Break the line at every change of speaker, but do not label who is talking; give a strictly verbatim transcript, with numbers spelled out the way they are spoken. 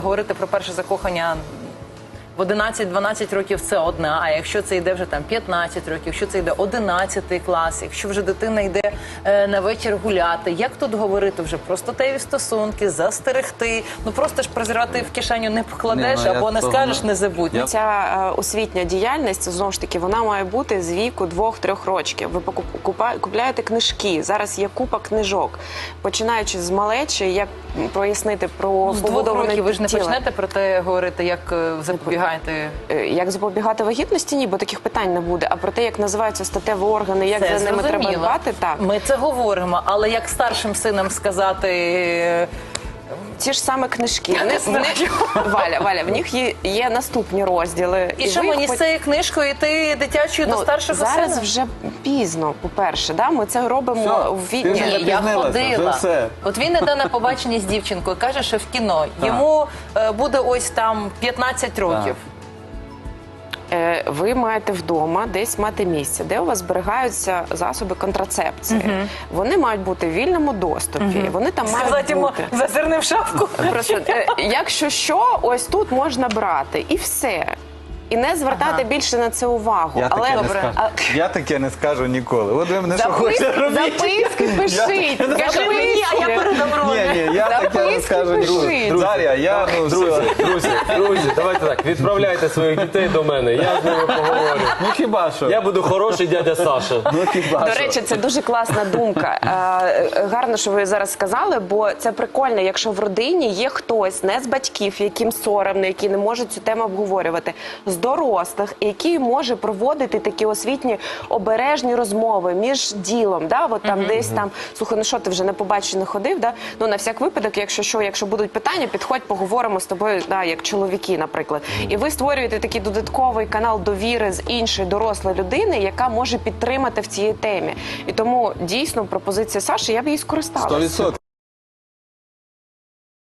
Говорити про перше закохання в одинадцять-дванадцять років – це одне, а якщо це йде вже там п'ятнадцять років, якщо це йде одинадцятий клас, якщо вже дитина йде е, на вечір гуляти, як тут говорити вже про статеві стосунки, застерегти, ну просто ж презирати в кишеню не покладеш,
Ні, ну,
або не скажеш, не забудь.
Я... Ця е, освітня діяльність, знову ж таки, вона має бути з віку двох-трьох років. Ви покупа... купляєте книжки, зараз є купа книжок, починаючи з малечі, як пояснити про
Ну, з двох років ви ж не
тіла.
почнете про те говорити, як е, запобігаєте?
Як запобігати вагітності? Ні, бо таких питань не буде. А про те, як називаються статеві органи, як
Це
за ними
зрозуміло.
треба дбати, так.
Ми це говоримо, але як старшим синам сказати...
Ті ж саме книжки. Вони, вони, Валя, Валя, в них є, є наступні розділи.
І, і що мені
по...
з цією книжкою йти дитячою
ну,
до старшого
зараз
сина?
вже пізно, по-перше. Да? Ми це робимо
Все,
в
ти
війні.
вже
Ні, я ходила.
все.
От він іде на побачення з дівчинкою, каже, що в кіно. Йому е, буде ось там п'ятнадцять років.
Ви маєте вдома десь мати місце, де у вас зберігаються засоби контрацепції. Uh-huh. Вони мають бути в вільному доступі. Uh-huh. Вони там
Сказати
мають
йому,
бути.
зазирни в шапку.
Просто, якщо що, ось тут можна брати. І все. І не звертати ага. більше на це увагу.
Я
Але
таке,
добре.
не скажу.
А...
Я таке не скажу ніколи. От ви мене що
Записки,
хочете робити.
записки пишіть.
Скажи мені, а я передам
Ні, ні, я таке не скажу ніколи. Дар'я, я, ну,
Друзі, друзі, друзі, давайте так, відправляйте своїх дітей до мене, я з ними поговорю.
ну хіба що?
Я буду хороший дядя Саша.
Ну хіба
До
що?
речі, це дуже класна думка. Е, гарно, що ви зараз сказали, бо це прикольно, якщо в родині є хтось, не з батьків, яким соромно, які не можуть цю тему обговорювати, з дорослих, який може проводити такі освітні обережні розмови між ділом. Да? От там mm-hmm. десь там, слухай, ну що, ти вже на побачення ходив? Да? Ну, на всяк випадок, якщо що, якщо будуть питання, підходь, поговоримо з тобою, да, як чоловіки, наприклад. Mm-hmm. І ви створюєте такий додатковий канал довіри з іншої дорослої людини, яка може підтримати в цій темі. І тому, дійсно, пропозиція Саші, я б її скористалася.
сто відсотків.